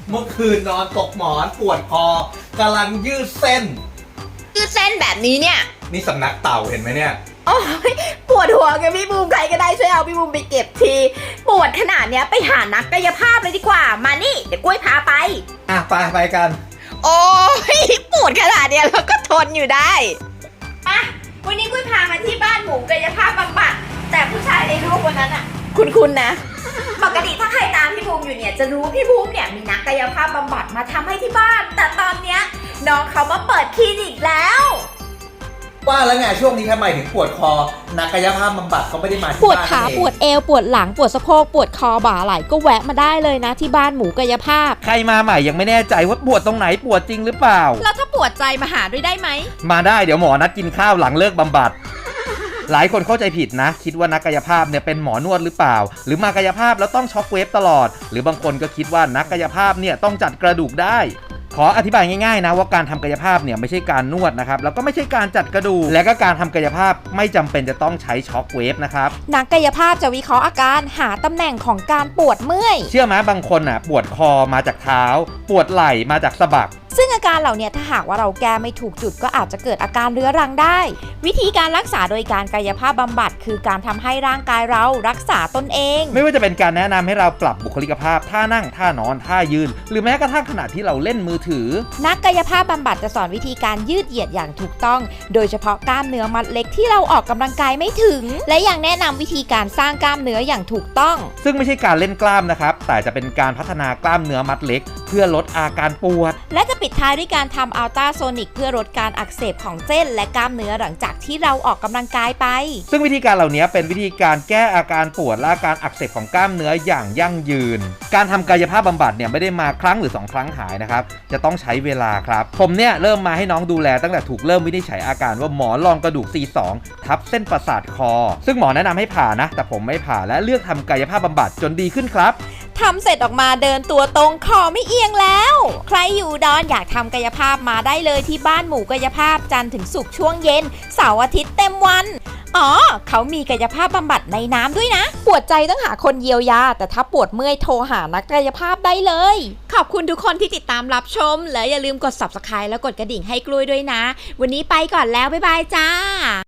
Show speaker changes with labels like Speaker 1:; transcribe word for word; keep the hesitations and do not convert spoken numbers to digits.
Speaker 1: เมื่อคืนนอนตกหมอนปวดคอกำลังยืดเส้น
Speaker 2: ยืดเส้นแบบนี้เนี่ย
Speaker 1: นี่สำนักเต่าเห็นไหมเนี่ย
Speaker 2: โอ้ยปวดหัวกันพี่บูมใครก็ได้ช่วยเอาพี่บูมไปเก็บทีปวดขนาดเนี้ยไปหานักกายภาพเลยดีกว่ามานี่เดี๋ยวกล้วยพาไป
Speaker 1: อ่ะไปไปกัน
Speaker 2: โอ้ยปวดขนาดเนี้ยเราก็ทนอยู่ได้ไปวันนี้กล้วยพามาที่บ้านหมูกายภาพบำบัดแต่ผู้ชายในรูปวันนั้นอ่ะคุณคุณนะปกติถ้าใครตามพี่บูมอยู่เนี่ยจะรู้พี่บูมเนี่ยมีนักกายภาพบำบัดมาทำให้ที่บ้านแต่ตอนเนี้ยน้องเขามาเปิดคลินิกแล้ว
Speaker 1: ว่าแล้วไงช่วงนี้ทำไมถึงปวดคอนักกายภาพบำบัดเขาไม่ได้มาที่บ้าน
Speaker 3: ปวดขาปวดเอวปวดหลังปวดสะโพกปวดคอบ่าไหล่ก็แวะมาได้เลยนะที่บ้านหมูกายภาพ
Speaker 4: ใครมาใหม่ยังไม่แน่ใจว่าปวดตรงไหนปวดจริงหรือเปล่า
Speaker 3: แล้วถ้าปวดใจมาหาด้วยได้ไหม
Speaker 4: มาได้เดี๋ยวหมอนัดกินข้าวหลังเลิกบำบัดหลายคนเข้าใจผิดนะคิดว่านักกายภาพเนี่ยเป็นหมอนวดหรือเปล่าหรือมากายภาพแล้วต้องช็อคเวฟตลอดหรือบางคนก็คิดว่านักกายภาพเนี่ยต้องจัดกระดูกได้ขออธิบายง่ายๆนะว่าการทำกายภาพเนี่ยไม่ใช่การนวดนะครับแล้วก็ไม่ใช่การจัดกระดูกและก็การทำกายภาพไม่จำเป็นจะต้องใช้ช็อคเวฟนะครับ
Speaker 3: นักกายภาพจะวิเคราะห์อาการหาตำแหน่งของการปวดเมื่อย
Speaker 4: เชื่อไหมบางคนอ่ะปวดคอมาจากเท้าปวดไหล่มาจากสะบัก
Speaker 3: ซึ่งอาการเหล่านี้ถ้าหากว่าเราแก้ไม่ถูกจุดก็อาจจะเกิดอาการเรื้อรังได้วิธีการรักษาโดยการกายภาพบำบัดคือการทำให้ร่างกายเรารักษาตนเอง
Speaker 4: ไม่ว่าจะเป็นการแนะนำให้เราปรับบุคลิกภาพท่านั่งท่านอนท่ายืนหรือแม้กระทั่งขณะที่เราเล่นมือถือ
Speaker 3: นักกายภาพบำบัดจะสอนวิธีการยืดเหยียดอย่างถูกต้องโดยเฉพาะกล้ามเนื้อมัดเล็กที่เราออกกำลังกายไม่ถึงและยังแนะนำวิธีการสร้างกล้ามเนื้ออย่างถูกต้อง
Speaker 4: ซึ่งไม่ใช่การเล่นกล้ามนะครับแต่จะเป็นการพัฒนากล้ามเนื้อมัดเล็กเพื่อลดอาการปวด
Speaker 3: และจะปิดท้ายด้วยการทำอัลตราโซนิกเพื่อลดการอักเสบของเส้นและกล้ามเนื้อหลังจากที่เราออกกำลังกายไป
Speaker 4: ซึ่งวิธีการเหล่านี้เป็นวิธีการแก้อาการปวดและอาการอักเสบของกล้ามเนื้ออย่างยั่งยืนการทำกายภาพบำบัดเนี่ยไม่ได้มาครั้งหรือสองครั้งหายนะครับจะต้องใช้เวลาครับผมเนี่ยเริ่มมาให้น้องดูแลตั้งแต่ถูกเริ่มวินิจฉัยอาการว่าหมอนรองกระดูก ซี สอง ทับเส้นประสาทคอซึ่งหมอแนะนำให้ผ่านะแต่ผมไม่ผ่าและเลือกทำกายภาพบำบัดจนดีขึ้นครับ
Speaker 3: ทำเสร็จออกมาเดินตัวตรงคอไม่เอียงแล้วใครอยู่ดอนอยากทำกายภาพมาได้เลยที่บ้านหมูกายภาพจันทร์ถึงศุกร์ช่วงเย็นเสาร์อาทิตย์เต็มวันอ๋อเขามีกายภาพบำบัดในน้ำด้วยนะปวดใจต้องหาคนเยียวยาแต่ถ้าปวดเมื่อยโทรหานักกายภาพได้เลยขอบคุณทุกคนที่ติดตามรับชมและอย่าลืมกด ซับสไครบ์ แล้วกดกระดิ่งให้กล้วยด้วยนะวันนี้ไปก่อนแล้วบ๊ายบายจ้า